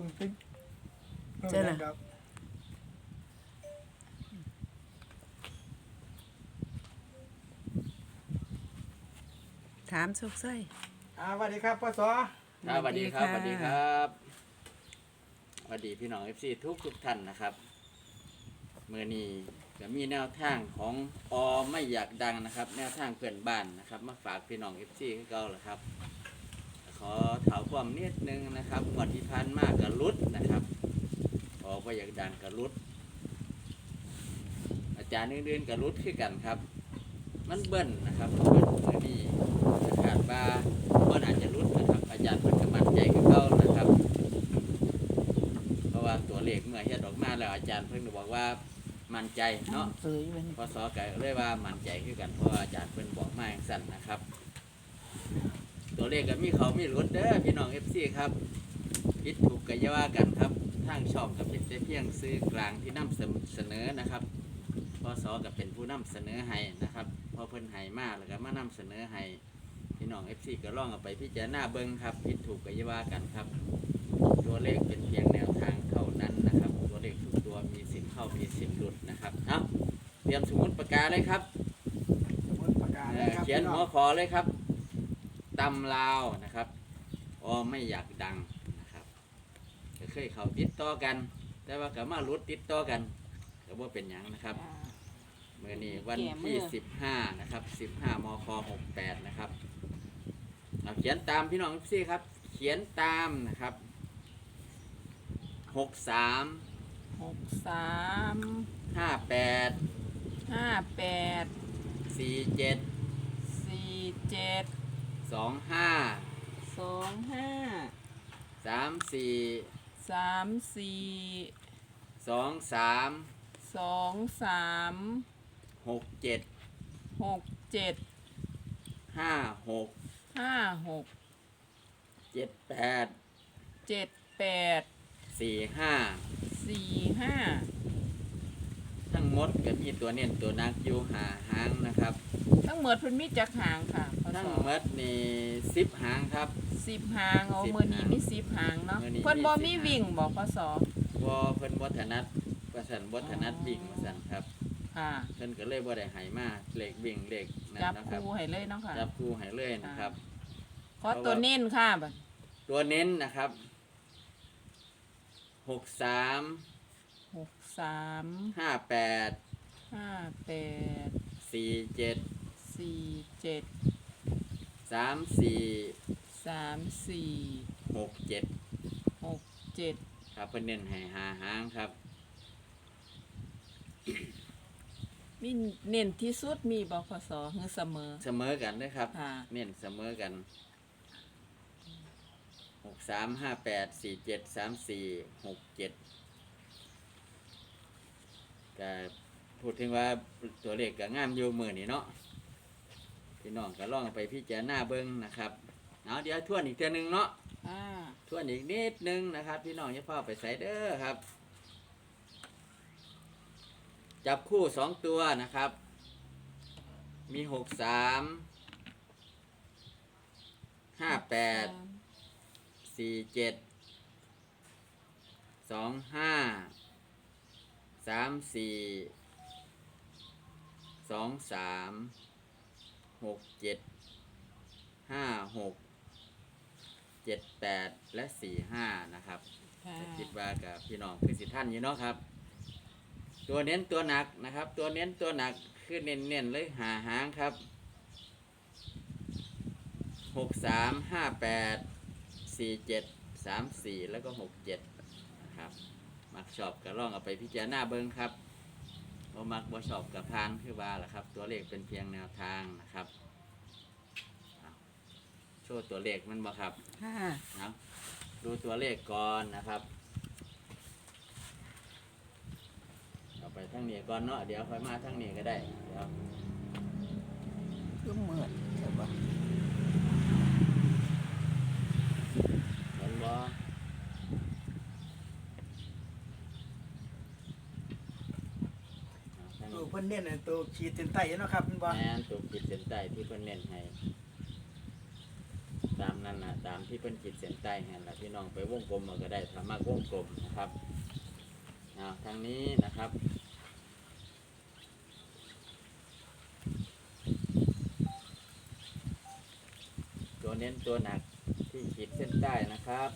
ติ๊กเจ้าล่ะครับถามสุกซ้อยสวัสดีครับพ่อสอครับสวัสดีครับสวัสดีครับสวัสดีพี่น้อง FC ทุกท่านนะครับเมื่อนี้ก็มีแนวทางของไม่อยากดังนะครับ แนวทางเพื่อนบ้านนะครับมาฝากพี่น้อง FC ให้เก่าแหละครับขอถามความนิดนึงนะครับงวดที่ผ่านมากกับรุดนะครับไม่อยากดังกับรุดอาจารย์อื่นๆกับรุดคือกันครับมันเบิ้ลนะครับเบิ้ลเมื่อนี้ขาดว่าอาจจะรุดนะครับอาจารย์เพิ่นก็มั่นใจคือเก่านะครับ เพราะว่าตัวเลขเมื่อเฮ็ดออกมาแล้วอาจารย์เพิ่นก็บอกว่ามั่นใจเนาะเสยมันพศก็เลยว่ามั่นใจคือกันเพราะว่าอาจารย์เพิ่นบอกมาอย่างสั้นนะครับ ตัวเลขก็มีเขามีหลุดเด้อพี่น้อง FC ครับผิดถูกก็อย่าว่ากันครับทางช่องก็เป็นแต่เพียงซื้อกลางที่นำเสนอนะครับพศก็เป็นผู้นำเสนอให้นะครับพอเพิ่นให้มาแล้วก็มานำเสนอให้พี่น้อง FC ก็ลองเอาไปพิจารณาเบิ่งครับผิดถูกก็อย่าว่ากันครับ ตัวเลขเป็นเพียงแนวทางเท่านั้นนะครับตัวเลขทุกตัวมีสิทธิ์เข้ามีสิทธิ์หลุดนะครับเอาเตรียมสมุดปากกาเลยครับสมุดปากกาเลยครับเขียนพี่หัน้วองขอเลยครับตำลาวนะครับไม่อยากดังนะครับก็เคยเขาติดต่อกัน แต่ว่าก็มาหลุดติดต่อกันก็ว่าเป็นหยังนะครับเมื่อนี้วันที่15นะครับ15มค68นะครับเอาเขียนตามพี่น้องพี่ครับเขียนตามนะครับ63 63 58 58 47 47 25 25 34 34 23 23 67 67 56 56 78 78 45 45 ทั้งหมดก็มีตัวเน้นตัวนักอยู่หาหางนะครับทั้งหมดเพิ่นมีจักหางค่ะพศทั้งหมดนี่10หางครับ 10หางเอา 10 มื้อนี้มี10หางเนาะมื้อนี้เพิ่นบ่มีมี 10 วิ่งบ่พศเพิ่นบ่ถนัดว่าซั่นบ่ถนัดวิ่งว่าซั่นครับค่ะเพิ่นก็เลยบ่ได้ให้มาเลขวิ่งเลขนั่นจับนะครับคู่ให้เลยเนาะค่ะจับคู่ให้เลยนะครับขอตัวเน้นค่ะบัดตัวเน้นนะครับ63 63 58 58 47 47 34 34 67 67 ครับเพิ่นเน้นให้หาหางครับมีเน้นที่สุดมีบ่พศหรือเสมอเสมอกันนะครับค่ะเน้นเสมอกัน63 58 47 34 67ก็พูดถึงว่าตัวเลขก็งามอยู่มื้อนี้เนาะพี่น้องก็ลองไปพิจารณาเบิ่งนะครับเอาเดี๋ยวทวนอีกเทื่อนึงเนาะ ทวนอีกนิดนึงนะครับ พี่น้องอย่าเพิ่งไปใส่เด้อครับ จับคู่2ตัวนะครับ มี63 58 47 25 34 23 67 56 78 และ 45 นะครับค่ะคิดว่ากับพี่น้องคือสิท่านอยู่เนาะครับ ตัวเน้นตัวหนักนะครับ ตัวเน้นตัวหนักคือเน้นๆเลยหาหางครับ 63 58 47 34 แล้วก็ 67 นะครับมักชอบก็ลองเอาไปพิจารณาเบิ่งครับบ่มักบ่ชอบกับพานคือว่าล่ะครับ ตัวเลขเป็นเพียงแนวทางนะครับเอาโชว์ตัวเลขมันบ่ครับค่ะนะดูตัวเลขก่อนนะครับเอาไปทั้งนี้ก่อนเนาะเดี๋ยวค่อยมาทั้งนี้ก็ได้เดี๋ยวคือเหมือนใช่ปะเห็นบ่เอาทั้งตัวนี้เพิ่นเน้นให้ตัวขีดเส้นใต้เนาะครับพี่บอลแม่นตัวขีดเส้นใต้ที่เพิ่นเน้นให้ตามนั้นนั่นนะตามที่เพิ่นขีดเส้นใต้เห็นละพี่น้องไปวงกลมมันก็ได้ถ้ามากวงกลมนะครับทางนี้นะครับตัวเน้นตัวหนักที่ขีดเส้นใต้นะครับ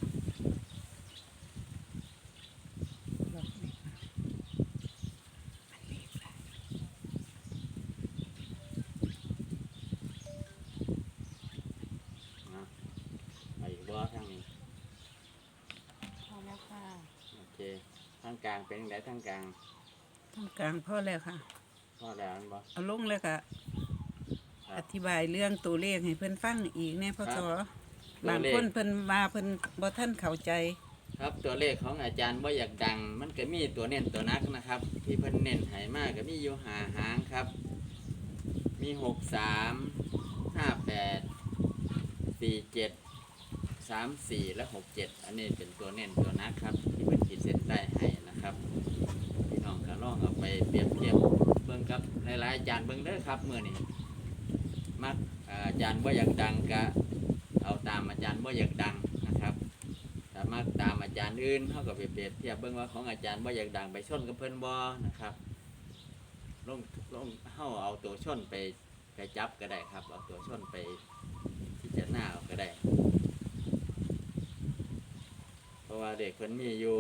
ไปอีกบ่ทางนี้พอแล้วค่ะโอเคทางกลางเป็นยังไงทางกลางทางกลางพ่อแล้วค่ะพอแล้วอันบ่เอาลงเลยค่ะครัอบ ธิบายเรื่องตัวเลขให้เพิ่นฟังอีกแน่พ่อสอครับบางคนเพิ่นมาเพิ่นบ่ทันเข้าใจครับตัวเลขของอาจารย์ว่าอยากดัง มันก็มีตัวเน้นตัวนักนะครับ ที่เพิ่นเน้นให้มากก็มีอยู่หาหางครับ มี63 58 47 34 และ 67 อันนี้เป็นตัวเน้นตัวนักครับ ที่เพิ่นขีดเส้นใต้ให้นะครับพี่น้องก็ลองเอาไปเปรียบเทียบเบิ่งกับหลายๆอาจารย์เบิ่งเด้อครับมื้อนี้มักอาจารย์ว่าอยากดังก็เอาตามอาจารย์ว่าอยากดังนะครับแต่มักตามอาจารย์อื่นเขาก็ไปเปรียบเทียบเบิ่งว่าของอาจารย์ว่าอยากดังไปชนกับเพิ่นบ่นะครับลงเฮาเอาตัวชนไปจับก็ได้ครับเอาตัวชนไปพิจารณาเอาก็ได้ เพราะว่าเด็กเพิ่นมีอยู่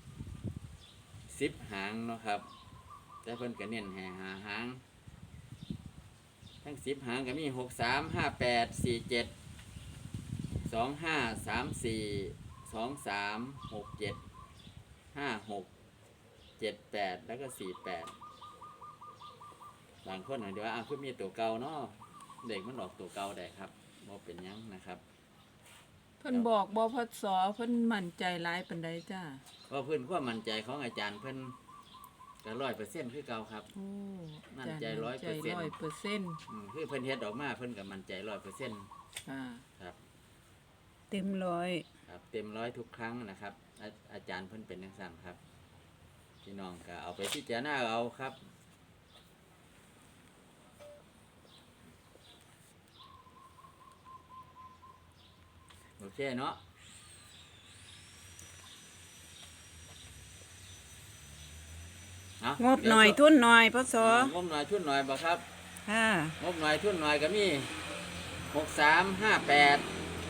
10 หางเนาะครับแต่เพิ่นก็เน้นให้หาหางทั้ง10 หางก็มี63 58 47 25 34 23 67 56 78 แล้วก็48บางคนอาจจะว่าคือมีตัวเก่าเนาะเด็กมันออกตัวเก่าได้ครับบ่เป็นหยังนะครับเพิ่นบอกบ่พศเพิ่นมั่นใจหลายปานใดจ้าเพราะเพิ่นความมั่นใจของอาจารย์เพิ่นก็100%คือเก่าครับโอ้มั่นใจ 100% คือเพิ่นเฮ็ดออกมาเพิ่นก็มั่นใจ100% ค่ะครับเต็มร้อยครับเต็ม100ทุกครั้งนะครับอาจารย์เพิ่นเป็นจังซั่นครับพี่น้องก็เอาไปพิจารณาเอาครับโอเคเนาะเอางบหน่อยทุนหน่อยพ่อสองบหน่อยทุนหน่อยบ่ครับค่ะงบหน่อยทุนหน่อยก็มี63 58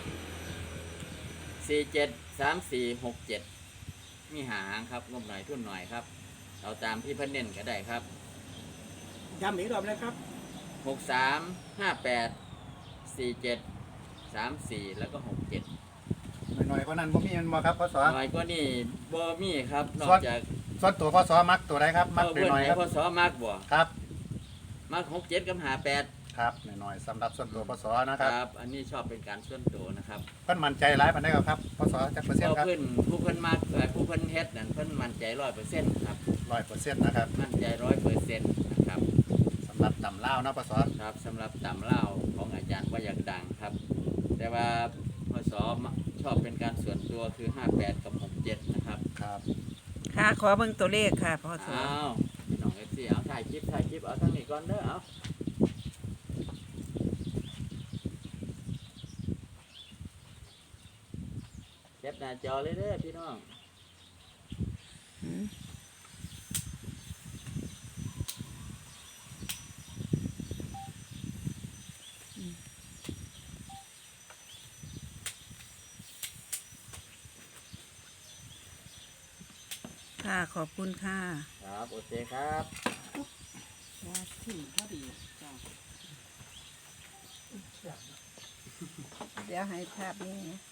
47 34 67มีหาหางครับงบหน่อยทุนหน่อยครับเอาตามที่เพิ่นเน้นก็ได้ครับย้ำอีกรอบนะครับ 63 58 47 34 แล้วก็ 67 หน่อยๆก็นั้นบ่มีมันบ่ครับพศหน่อยก็นี่บ่มีครับนอกจากส่วนตัวพศมักตัวใดครับ มักเพิ่นหน่อยให้ๆครับพศมักบ่ครับมัก67กับ58 ครับหน่อยๆสำหรับส่วนตัวพศนะคครับรับอันนี้ชอบเป็นการส่วนตัวนะครับเพิ่นมั่นใจหลายปานใดครับพศจักเปอร์เซ็นต์ครับเพิ่นผู้เพิ่นมักผู้เพิ่นเฮ็ดนั่นเพิ่นมั่นใจ100%ครับ 100%นะครับมั่นใจ100%นะครับสำหรับตำลาวนะพศครับสำหรับตำเล่าของอาจารย์ว่าอยากดังครับ แต่ว่าพศชอบเป็นการส่วนตัวคือ 58 กับ 67 นะครับครับค่ะขอเบิ่งตัวเลขค่ะพ่อสออ้าวพี่น้อง FC เอาถ่ายคลิปเอาทั้งนี้ก่อนเด้อเอาแคปหน้าจอเลยเด้อพี่น้องหืมค่ะขอบคุณค่ะครับโอเคครับว่าที่พอดีจ้าเดี๋ยวให้ภาพนี้